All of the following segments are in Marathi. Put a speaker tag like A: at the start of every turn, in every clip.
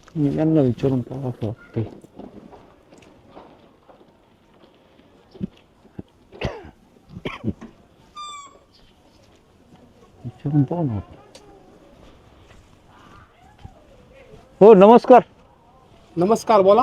A: मी यांना विचारून पाहा असं वाटतंय. विचारून पाहू ना. हो नमस्कार.
B: नमस्कार, बोला.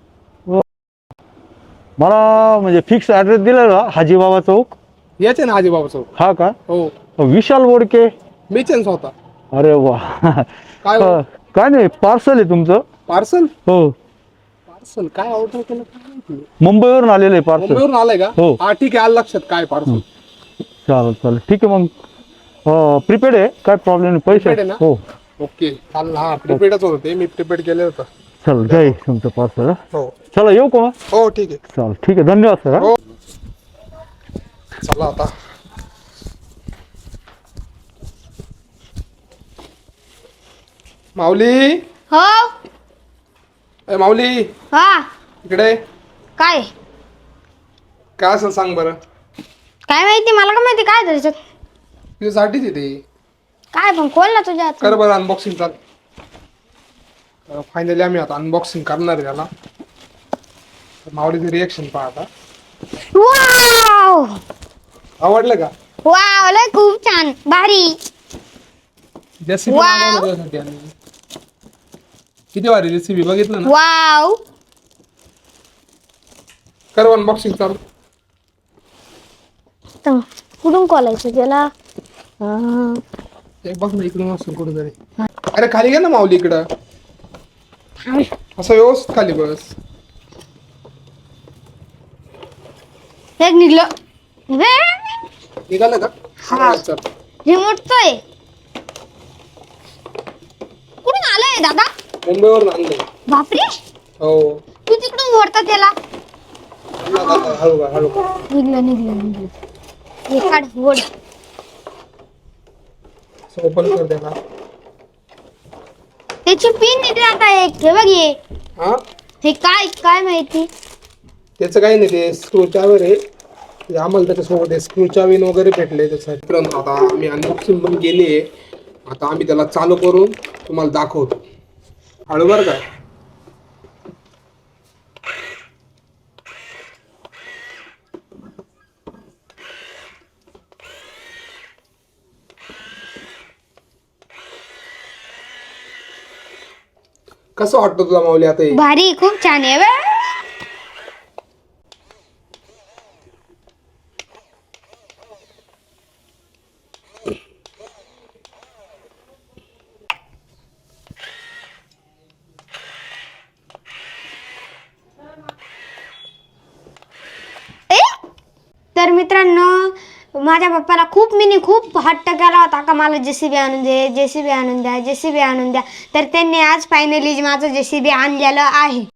A: मला म्हणजे फिक्स ॲड्रेस दिला ना हाजीबाबा चौक.
B: याचे ना आजीबाबा चौक.
A: हा का?
B: हो,
A: विशाल बोडके.
B: मीच आहे स्वतः.
A: अरे वा.
B: काय हो?
A: काय नाही, पार्सल आहे तुमचं.
B: पार्सल?
A: हो,
B: पार्सल काय ऑर्डर केलं काय माहिती?
A: मुंबईवरून आलेलं आहे पार्सल.
B: मुंबईवरून आलंय का?
A: हो.
B: हा ठीक आहे, आलं लक्षात. काय पार्सल?
A: चालेल चालेल, ठीक आहे मग. प्रिपेड आहे, काय प्रॉब्लेम नाही. पैसे
B: Prepaid आहे ना?
A: हो.
B: ओके, चालेल. हा प्रिपेडच होतं ते, मी प्रिपेड केलं होतं.
A: चल घ्या तुमचं पार्सल.
B: हो
A: चला येऊ का मग?
B: हो, ठीक आहे.
A: चालेल, ठीक आहे, धन्यवाद सर.
B: हो, चला आता. माऊली,
C: हो.
B: ए माऊली,
C: हा.
B: इकडे
C: काय
B: काय असेल सांग बरं.
C: काय माहिती, मला का माहिती काय त्याच्यात.
B: तुझ्यासाठीच येते.
C: काय पण खोल ना तुझ्या हात.
B: कर बरं अनबॉक्सिंग. चाल, फायनली आम्ही आता अनबॉक्सिंग करणार आहे त्याला. माऊलीचं रिएक्शन पहा आता.
C: वाव
B: आवडलं का?
C: वाव, लय खूप छान, भारी.
B: JCB
C: Wow.
B: मागवलं त्यासाठी आम्ही. किती भारी जेसीबी, बघितलं ना?
C: वाव.
B: कर अनबॉक्सिंग. चालू.
C: कुठून खोलायचं त्याला?
B: एक बघ ना, इकडून असेल कुठेतरी. अरे खाली घे ना माऊली, इकडं असं व्यवस्थित खाली बस.
C: हे निघलं.
B: निघालं का?
C: हा.
B: चल.
C: रिमोटचं कुठून आलंय दादा?
B: मुंबईवरून आणलंय.
C: बापरे,
B: हो.
C: तू तिकडून ओढता त्याला.
B: हळू का, हळू का.
C: निघलं. हे काढ, ओढ.
B: ओपन कर त्याला.
C: त्याची पिन निघली आता. एक हे बघ,
B: हा,
C: हे काय काय माहिती.
B: त्याचं काही नाही, ते स्क्रू चावी आहे. ते आम्हाला त्याच्यासोबत स्क्रू चावीन वगैरे भेटले त्यासाठी. मित्रांनो, आता आम्ही अनबॉक्सिंग पण केली आहे. आता आम्ही त्याला चालू करून तुम्हाला दाखवतो. हळू बरं का. कसं वाटतं तुला माऊली आता हे?
C: भारी, खूप छान आहे बे. तर मित्रांनो, माझ्या पप्पाला खूप हट्ट केला होता का मला जेसीबी आणून दे, जेसीबी आणून द्या, जेसीबी आणून द्या. तर त्यांनी आज फायनली माझं जेसीबी आणलेलं आहे.